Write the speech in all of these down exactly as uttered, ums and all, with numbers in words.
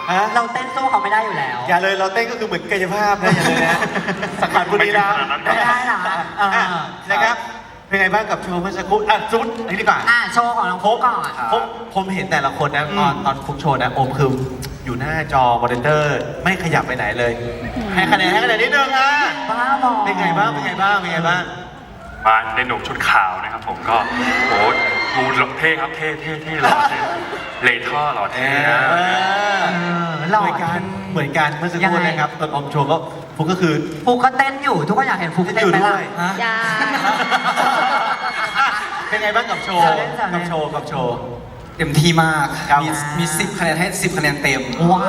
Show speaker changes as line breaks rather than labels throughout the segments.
ฮะ
เราเต้นสู้เขาไม่ได้อยู่แล้ว
อย่าเลยเราเต้นก็คือเหมือนกายภาพนะอย่าเลยนะสังขารบุรีรัมย์
ไม่ได้หรอเออ
อ่ะนะครับเป็นไงบ้างกับโชว์เมื่อสักครู่อ่ะจุดอันนี้ดีกว่า
อ่ะโชว์ของน้องฟุกก่อน
ผมผมเห็นแต่ละคนนะตอนตอนฟุกโชว์นะโอมคืออยู่หน้าจอมอนิเตอร์ไม่ขยับไปไหนเลย ให้คะแนนให้คะแนนนิดนึงอ่ะ
บ้าบอ
เป็นไงบ้างเป็นไงบ้างเป็นไงบ้าง
มาในหนุ่มชุดขาวนะครับผมก็โอ้ดูหล่อเท่ครับเท่เท่เท่หล่อเท่เลท่อหล่อ
เอ
เท่
อ
นะ
เออหล่อ
เหมือนกันเหมือนกันเมื่อสักครู่
ยังไง
นะครับตอนอมโชว์ก็ฟุกก็คือ
ฟุกก็เต้นอยู่ทุกคนอยากเห็นฟุก
เต้น
เต้
อน ยู่
ไหม
ด้
ล่ะ
วย
ฮะ
อย่า
เป็นไงบ้างกับโชว์
แซวเล่นแซวเล่น
กับโชว์กับโชว์
เต็มที่มาก
ครับ
มีมีสิบคะแนนให้สิบคะแนนเต็ม
ว้าว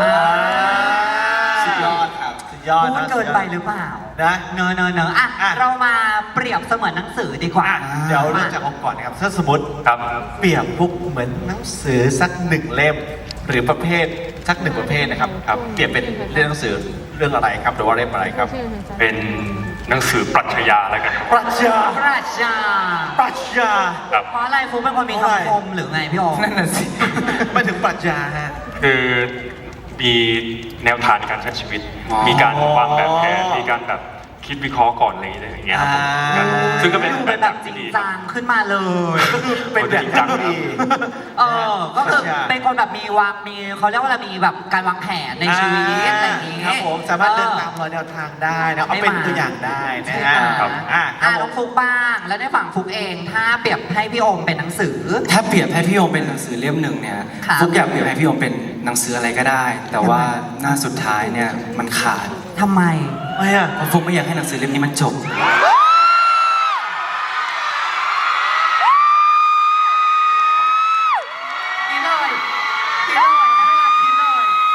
สุดยอดครับ
สุดยอด
พูด
นะ
เกินไปหรือเปล่า
นะ
เนอะเนอะเนอะอ่ะ
อ่ะ
เรามาเปรียบเสมือนหนังสือดีกว่า
อ่ะเดี๋ยวเริ่มจากอมก่อนนะครับถ้าสมมติ
ครับ
เปรียบฟุกเหมือนหนังสือสักหนึ่งเล่ม หรือประเภทสักหนึ่งประเภทนะครับครับเปรียบเป็นเรื่องหนังสือเรื่องอะไรครับหรือว่าเล่มอะไรครับ
เป็นหนังสือปรัชญาแล้วกันครับ
ปรัชญา
ปราชญา
ปรัชญา
ครับ
เพราะอะไรฟุกเป็นคนมี
เพราะอะไร
คำคมหรือไงพี่โอม
นั่นน่ะสิ
ไม่ถึงปรัชญาฮะ
คือมีแนวทางในการใช้ชีวิต
อ๋อ
มีการวางแบบแผนมีการแบบคิดวิเคราะห์ก่อนอะไรอย่างเงี้ยครับผม
อ่า
ซึ่งก็เป็น
ดู
แบ
เป็น
บ
แบบจ
ที่
ริง
ดี
จังขึ้นมาเลย
ก็คือเป็นแบบที่ดี
เออ ก็คือ
ปรัชญา
เป็นคนแบบมีวางมีเขาเรียกว่าอะไรมีแบบการวางแผนในชีวิตอะไรอย่างนี้
ครับผมสามารถเดินตาม
ออ
รอยแนวทางได้นะเอาเป็นตัวอย่างได้นะฮะ
ครับ
อ่ะครั
อ่ะ
บผ
น้อ
ม
งฟุกบ้าง แล้วในฝั่งฟุกเองถ้าเปรียบให้พี่โอมเป็นหนังสือ
ถ้าเปรียบให้พี่โอมเป็นหนังสือเล่มหนึ่งเนี่ย
ครับ
ฟุกอยากเปรียบให้พี่โอมเป็นหนังสืออะไรก็ได้ แต่ว่าหน้าสุดท้ายเนี่ยมันขาด
ทำไม
ไม่อะ
เพราะฟุกไม่อยากให้หนังสือเล่มนี้มันจบ
คิดเลยคิดเลยให้เวลาคิดเลย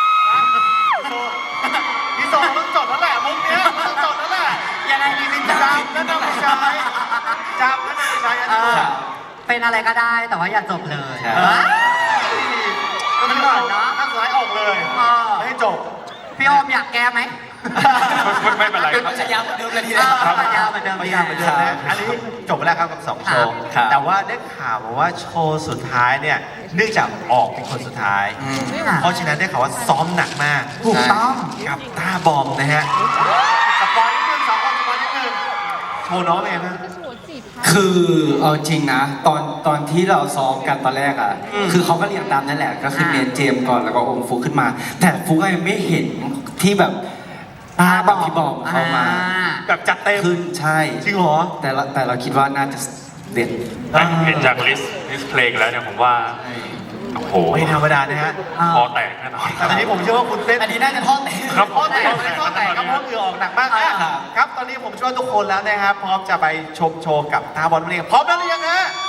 พี่โซต้องจดแล้วแหละมุกเนี้ยต้องจดแล้วแหละ
ยังไงดีพี่
จ
จ๊ะ
ำแล้วนำไปใช้จำแล้วนำไปใช้อัน
เอ
นี้
อเป็นอะไรก็ได้แต่ว่าอย่าจบเลย
ใช่
เอ้ย
ก็คือเอาหน้าสุดท้ายออกเลย
เออ
ไม่ให้จบ
พี่โอมอยากแก้ไหม
ไม่ไม่เป็นไรครับ
มันจะยาวเหมือนเดิมเลยที
เอ
เดียว
อมันยาวเหมือนเดิม
พยายามเหมือนเดิมนะอันนี้จบไปแล้วครับกับสองโชว์
ครับ
แต่ว่าได้ข่าวมาว่าโชว์สุดท้ายเนี่ยเนื่องจากออกเป็นคนสุดท้าย
อืม
เพราะฉะนั้นได้ข่าวว่าซ้อมหนักมาก
ถูกต้อง
กับต้าบอมนะฮะสปอยนิดนึงสองคนสปอยนิดนึงโชว์น้องเป็นไงบ้าง
คือเอาจริงนะ ตอนตอนที่เราซ้อมกันตอนแรกอ่ะ
อืม
คือเขาก็เรียงตามนั่นแหละ ก็คือเรียนเจมส์ก่อนแล้วก็องค์ฟุกขึ้นมา แต่ฟุกก็ยังไม่เห็นที่แบบตาแบบพี่บอมเข้ามา
แบบจัดเต็ม
ขึ้นใช่
จริงเหรอ
แต่ละแต่เราคิดว่าน่าจะเด็ด
เห็นจากลิสต์ลิสต์เพลงแล้วเนี่ยผมว่า โอ้โห
ไม่ธรรมดานะฮะ
คอแตกแน่นอน
แต่ตอนนี้ผมเชื่อว่าคุณเต้น
อันนี้น่าจะท่อนเต้น
ครับ
ข้อแตกไม่ข้อแตกครับเพราะเหงื่อออกหนักมากนะครับ ครับ ตอนนี้ผมเชื่อว่าทุกคนแล้วนะครับ พร้อมจะไปชมโชว์กับตาบอลนั่นเองพร้อมแล้วหรือยังฮะ